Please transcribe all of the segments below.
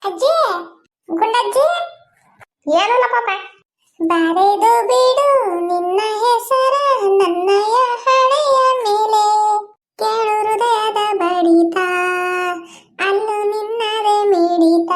ಅಜ್ಜಿ, ಗುಂಡಜ್ಜಿ, ಏನಲ್ಲ ಪಾಪ. ಬರೆದು ಬಿಡು ನಿನ್ನ ಹೆಸರ ನನ್ನಯ ಹಣೆಯ ಮೇಲೆ, ಕೇಳು ಹೃದಯದ ಬಡಿತ, ಅಲ್ಲೂ ನಿನ್ನದೇ ಮಿಡಿತ.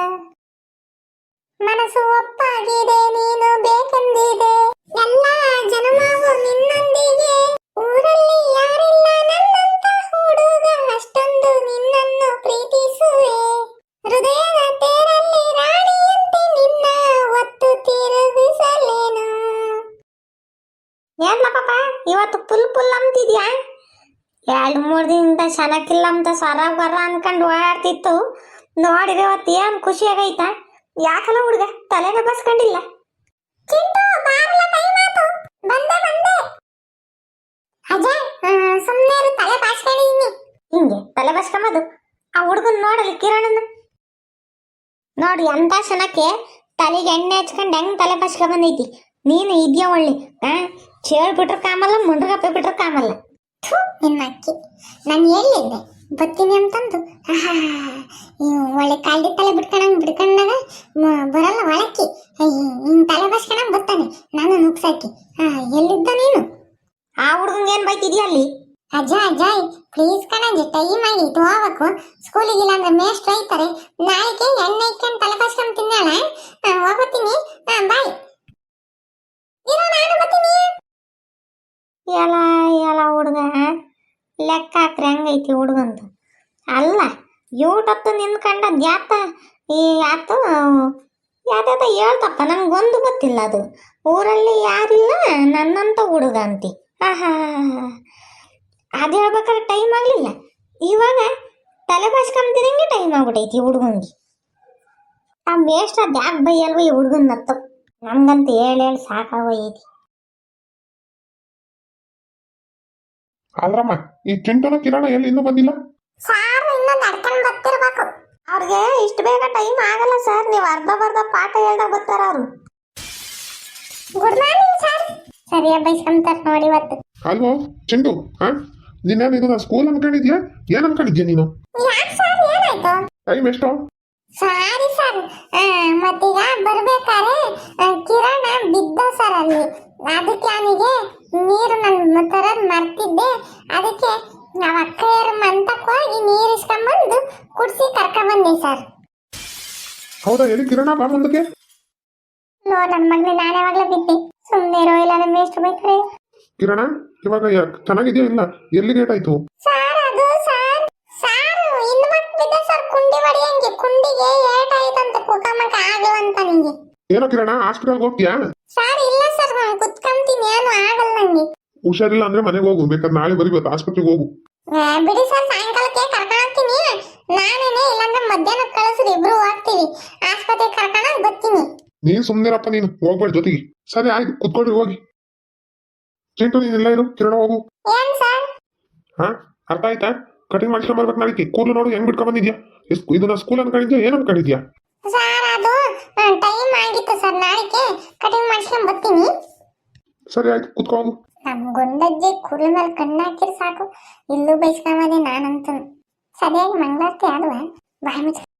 ಮನಸ್ಸು ಒಪ್ಪಾಗಿದೆ, ನೀನು ಬೇಕೆಂದಿದೆ, ಎಲ್ಲ ಜನ್ಮವೂ ನಿನ್ನೊಂದಿಗೆ. ಊರಲ್ಲಿ ಯಾರಿಲ್ಲ ನನ್ನಂತ ಹುಡುಗ, ಅಷ್ಟೊಂದು ನಿನ್ನನ್ನು ಪ್ರೀತಿಸುವೆ. ಹೃದಯದ ತೇರಲ್ಲಿ ರಾಣಿಯಂತೆ ನಿನ್ನ ಒತ್ತು ತಿರುಗಿಸಲೇನು. ಏನ್ಲ ಪಾಪ, ಇವತ್ತು ಫುಲ್ ಅಂತಿದ್ಯಾ? 2-3 ದಿನದಿಂದ ಚೆನ್ನಾಗಿಲ್ಲ ಅಂತ ಸರ ಬರ ಅನ್ಕೊಂಡು ಓಡಾಡ್ತಿತ್ತು. ನೋಡಿದ್ರೆ ಇವತ್ತು ಏನ್ ಖುಷಿ ಆಗೈತಾ? ಯಾಕಲ್ಲ ಹುಡುಗ ತಲೆನ ಬಸ್ಕೊಂಡಿಲ್ಲ? ಚಿಂಟು, ಬಾರಲ, ಟೈಮ್ ಆತು. ಬಂದೆ. ಅಜಯ್, ಸುಮ್ಮನೆ ತಲೆ ಬಾಚ್ಕೊಂಡಿದ್ದೀನಿ. ಹಿಂಗೆ ತಲೆ ಬಸ್ಕೊಂಬದು ಆ ಹುಡುಗನ್ ನೋಡಲಿ, ಕಿರಣನ ನೋಡಿ ಅಂತ ಕ್ಷಣಕ್ಕೆ ತಲೆಗೆ ಎಣ್ಣೆ ಹಚ್ಕೊಂಡು ಹೆಂಗ್ ತಲೆ ಬಸ್ಕೊಂಡ್ ಬಂದೈತಿ. ನೀನು ಇದೆಯಾ ಒಳ್ಳೆ ಚೇಳ್ಬಿಟ್ರ ಕಾಮಲ್ಲ, ಮುಂಡ್ರಗಪ್ಪೆ ಬಿಟ್ರ ಕಾಮಲ್ಲ. ನಿನ್ನ ಅಕ್ಕಿ, ನಾನು ಹೇಳಿದ್ದೆ ಬತ್ತೀನಿ ಅಂತಂದು. ಒಳ್ಳೆ ಕಾಲ್ಡಿ ತಲೆ ಬಿಡ್ಕೊಂಡಾಗ ಬರಲ್ಲ ಒಳಕ್ಕಿ. ಹಿಂಗ್ ತಲೆ ಬಸ್ಕೊಂಡಂಗ್ ಬರ್ತಾನೆ ನಾನು ನುಗ್ಸಾಕಿ. ಎಲ್ಲಿದ್ದ ನೀನು? ಆ ಹುಡುಗಂಗೆ ಏನ್ ಬೈತಿದ್ಯಾ ಅಲ್ಲಿ? ಅಜಯ್ ಪ್ಲೀಸ್ ಕಣಜಿ, ಟೈಮ್ ಆಗೈತು, ಹೋಗ್ಬೇಕು ಸ್ಕೂಲಿಗಿಲ್ಲ ಅಂದ್ರೆ ಮೇಷ್ಟ್ರು ಐತಾರೆ. ನಾಳೆಗೆ ಎಣ್ಣೆ ಇಟ್ಕೊಂಡು ತಲೆ ಬಸ್ಕೊಂಡ್ ತಿನ್ನಾಳ. ಹೋಗ್ತೀನಿ, ಬಾಯ್. ಇರೋ, ನಾನು ಬರ್ತೀನಿ. ಎಲ್ಲ ಹುಡುಗ ಲೆಕ್ಕ ಹಾಕ್ರಿ ಹಂಗೈತಿ ಹುಡುಗಂತ. ಅಲ್ಲ ಯೂಟತ್ತು ನಿಂತ್ಕೊಂಡ ಯಾತ ಹೇಳ್ತಪ್ಪ, ನನ್ಗೊಂದು ಗೊತ್ತಿಲ್ಲ ಅದು. ಊರಲ್ಲಿ ಯಾರಿಲ್ಲ ನನ್ನಂತ ಹುಡುಗ ಅಂತಿ. ಅದು ಹೇಳ್ಬೇಕಾದ್ರೆ ಟೈಮ್ ಆಗಲಿಲ್ಲ, ಇವಾಗ ತಲೆ ಬಾಚ್ಕೊಂತಿದಂಗೆ ಟೈಮ್ ಆಗ್ಬಿಟ್ಟೈತಿ ಹುಡುಗಂಗೆ. ಆ ಮೇಷ್ಟ್ರ ಯಾಕೆ ಬೈಯಲ್ವ ಈ ಹುಡುಗನ್ನತ್ತು? ನಮ್ಗಂತ ಹೇಳಿ ಸಾಕಾಗೋಯ್ತಿ. ಆದ್ರಮ್ಮ, ಈ ಚಿಂಟುನ ಕಿರಣ ಎಲ್ಲಿ ಇನ್ನೂ ಬಂದಿಲ್ಲ? ಸಾರ್ ಇನ್ನೂ ನಡ್ಕೊಂಡು ಬರ್ತಿರ್ಬೇಕು. ಅವ್ರಿಗೆ ಇಷ್ಟು ಬೇಗ ಟೈಮ್ ಆಗಲ್ಲ ಸರ್, ನೀವು ಅರ್ಧ ಪಾಠ ಹೇಳ್ದಾಗ ಬರ್ತಾರ ಅವರು. Good morning sir. ಸರಿಯಾಗಿ ಬೈಸ್ಕೊಂತಾರ ನೋಡಿ ಇವತ್ತು. ಅಲ್ವೋ ಚಿಂಟು, ನೀನೇನು ಇದು ಸ್ಕೂಲ್ ಅನ್ಕೊಂಡಿದ್ಯಾ? ಏನ್ ಅನ್ಕೊಂಡಿದ್ಯಾ ನೀನು? ಯಾಕೆ ಸರ್, ಏನಾಯ್ತು? ಟೈಮ್ ಎಷ್ಟು? ಸಾರಿ ಸರ್, ಮತ್ತೀಗ ಬರ್ಬೇಕಾರೆ ಕಿರಣ ಬಿದ್ದ ಸರ್ ಅಲ್ಲಿ. ಅದಕ್ಕೆ ಅವನಿಗೆ ನೀರು ನನ್ನ ತರದ್ ಮರ್ತಿದ್ದೆ. ಅದಕ್ಕೆ ನಾವು ಅಕ್ಕಯ್ಯರ ಮಂತಕ್ಕೆ ಹೋಗಿ ನೀರು ಇಸ್ಕೊಂಡ್ಬಂದು ಕುಡಿಸಿ ಕರ್ಕೊಂಡ್ಬಂದೆ ಸರ್. ಹೌದಾ? ಎಲ್ಲಿ ಕಿರಣ, ಬಾ ಮುಂದಕ್ಕೆ. ನನ್ನ ಮಗನೇ, ನಾನು ಯಾವಾಗಲೂ ಬಿದ್ದೆ. ಸುಮ್ಮನೆ ಇರೋ, ಇಲ್ಲ ನಮ್ಮ ಎಷ್ಟು ಬೈತಾರೆ. ಕಿರಣ, ಇವಾಗ ಚೆನ್ನಾಗಿದ್ಯಾ? ಇಲ್ಲ, ಎಲ್ಲಿ ಗೇಟ್ ಆಯ್ತು? ಸರ್ ಅದು ಸಾರು ಇನ್ನು ಮತ್ತೆ ಬಿದ್ದ ಸರ್, ಕುಂಡಿ ಹೊಡಿಯಂಗೆ. ಕುಂಡಿಗೆ ಏಟಾಯ್ತಂತೆ, ಕುಕಮಕ ಆಗವಂತ ನಿಂಗೆ. ಏನೋ ಕಿರಣ, ಹಾಸ್ಪಿಟಲ್ಗೆ ಹೋಗ್ತೀಯಾ? ಸರ್ ಇಲ್ಲ ಸರ್, ನಾನು ಕುತ್ಕೊಂತೀನಿ, ಏನು ಆಗಲ್ಲ ನಂಗೆ. ಹುಷಾರಿಲ್ಲ ಅಂದ್ರೆ ಮನೆಗೆ ಹೋಗು, ಬೇಕಾದ್ರೆ ನಾಳೆ ಬರೀಬೇಕು, ಆಸ್ಪತ್ರೆಗೆ ಹೋಗು. ಬಿಡಿ ಸರ್, ಸಾಯಂಕಾಲಕ್ಕೆ ಕರ್ಕೊಂಡು ಹೋಗ್ತೀನಿ. ನಾನೇನೆ, ಇಲ್ಲಾಂದ್ರೆ ಮಧ್ಯಾಹ್ನ ಕಳಿಸ್ರಿ, ಇಬ್ರು ಹೋಗ್ತೀವಿ ಆಸ್ಪತ್ರೆಗೆ ಕರ್ಕೊಂಡು ಬರ್ತೀನಿ. ನೀನ್ ಸುಮ್ನಿರಪ್ಪ, ನೀನು ಹೋಗ್ಬೇಡ ಜೊತೆಗೆ. ಸರಿ ಆಯ್ತು, ಕುತ್ಕೊಳ್ರಿ, ಹೋಗಿ. ಚಿಂಟು, ನೀನೆಲ್ಲ ಇರು, ಕಿರಣ ಹೋಗು. ಏನ್ ಸರ್? ಅರ್ಥ ಆಯ್ತಾ? ಕಟಿಂಗ್ ಮಾಡ್ಸ್ಕೊಂಡ್ ಬರ್ಬೇಕು ನಾಳೆಗೆ. ಕೂದಲು ನೋಡು ಹೆಂಗ್ ಬಿಟ್ಕೊಂಡ್ ಬಂದಿದ್ಯಾ? ಇದನ್ನ ಸ್ಕೂಲ್ ಅನ್ಕೊಂಡಿದ್ಯಾ, ಏನ್ ಅನ್ಕೊಂಡಿದ್ಯಾ? ಸರ್ ಅದು ಟೈಮ್ ಆಗಿತ್ತು ಸರ್, ನಾಳೆಗೆ ಕಟಿಂಗ್ ಮಾಡ್ಸ್ಕೊಂಡ್ ಬರ್ತೀನಿ. ಸರಿ ಆಯ್ತು, ಕುತ್ಕೊ ಹೋಗು. ನಮ್ ಗುಂಡಜ್ಜಿ ಕುರಿ ಮೇಲೆ ಕಣ್ಣು ಹಾಕಿರ್ ಸಾಕು, ಇಲ್ಲೂ ಬೈಸ್ಕೊಂಬದೆ ನಾನಂತ. ಸರಿಯಾಗಿ ಮಂಗಳಾರತಿ ಆಡುವ ಬಾಯಿ ಮುಚ್ಚ.